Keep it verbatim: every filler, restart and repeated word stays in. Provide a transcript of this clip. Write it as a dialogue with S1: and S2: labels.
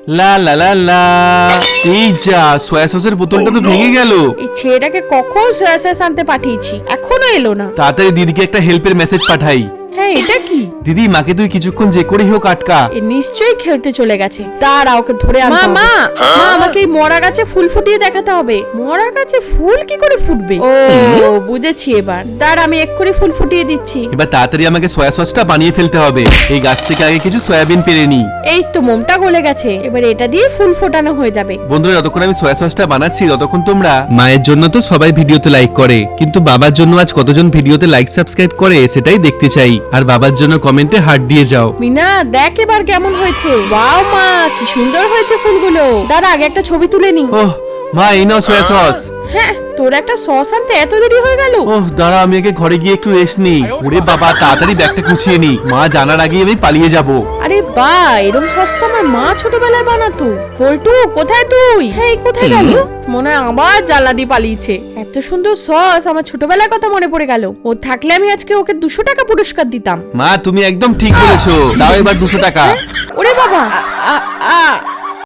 S1: লা লা লা লা। এই যা, সয়া সসের বোতলটা তো ভেঙে গেল।
S2: এই ছেলেটাকে কখন সয়া সস আনতে পাঠিয়েছি, এখনো এলো না।
S1: তাড়াতাড়ি দিদিকে একটা হেল্পের মেসেজ পাঠাই।
S2: হ্যাঁ, এটা কি?
S1: দিদি, মাকে তুই কিছুক্ষণ যে করেই হোক আটকা।
S2: এ নিশ্চয়ই খেলতে চলে গেছে। দাঁড়া, ওকে ধরে আনতে হবে। মা মা আমাকে এই মরা গাছে ফুল ফুটিয়ে দেখাতে হবে। মরা গাছে ফুল কি করে ফুটবে? ও বুঝেছি এবার। দাঁড়া, আমি এক্ষুনি ফুল ফুটিয়ে দিচ্ছি।
S1: এবার তাড়াতাড়ি আমাকে সয়া সসটা বানিয়ে ফেলতে হবে। এই গাছ থেকে আগে কিছু সয়াবিন পেরে নি।
S2: এই তো মোমটা গলে গেছে, এবার এটা দিয়ে ফুল ফোটানো হয়ে যাবে।
S1: বন্ধুরা, যতক্ষণ আমি সয়া সসটা বানাচ্ছি ততক্ষণ তোমরা মায়ের জন্য তো সবাই ভিডিওতে লাইক করে, কিন্তু বাবার জন্য আজ কতজন ভিডিওতে লাইক সাবস্ক্রাইব করে সেটাই দেখতে চাই। আর বাবার জন্য কমেন্টে হার্ট দিয়ে যাও।
S2: মিনা, দেখ এবার কেমন হয়েছে। ওয়াও মা, কি সুন্দর হয়েছে ফুলগুলো। দাঁড়া, আগে একটা ছবি তুলে নি।
S1: ওহ মা, এই নাও সয়া সস।
S2: হ্যাঁ, তোর একটা সস আনতে এত দেরি হয়ে গেল?
S1: ওহ দাঁড়া, আমি আগে ঘরে গিয়ে একটু রেস্ট নিই। ওরে বাবা, তাড়াতাড়ি ব্যাগটা গুছিয়ে নি, মা জানার আগেই আমি পালিয়ে যাব।
S2: আরে বা, এরকম সস তো আমার মা ছোটবেলায় বানাতো। পল্টু, কোথায় তুই? হ্যাঁ, এই কোথায় গেল? মনে হয় আবার জ্বালা দিয়ে পালিয়েছে। এত সুন্দর সস, আমার ছোটবেলার কথা মনে পড়ে গেল। ও থাকলে আমি আজকে ওকে দুশো টাকা পুরস্কার দিতাম।
S1: মা, তুমি একদম ঠিক বলেছো। দাও এবার দুশো টাকা।
S2: ওরে বাবা, আ- আ-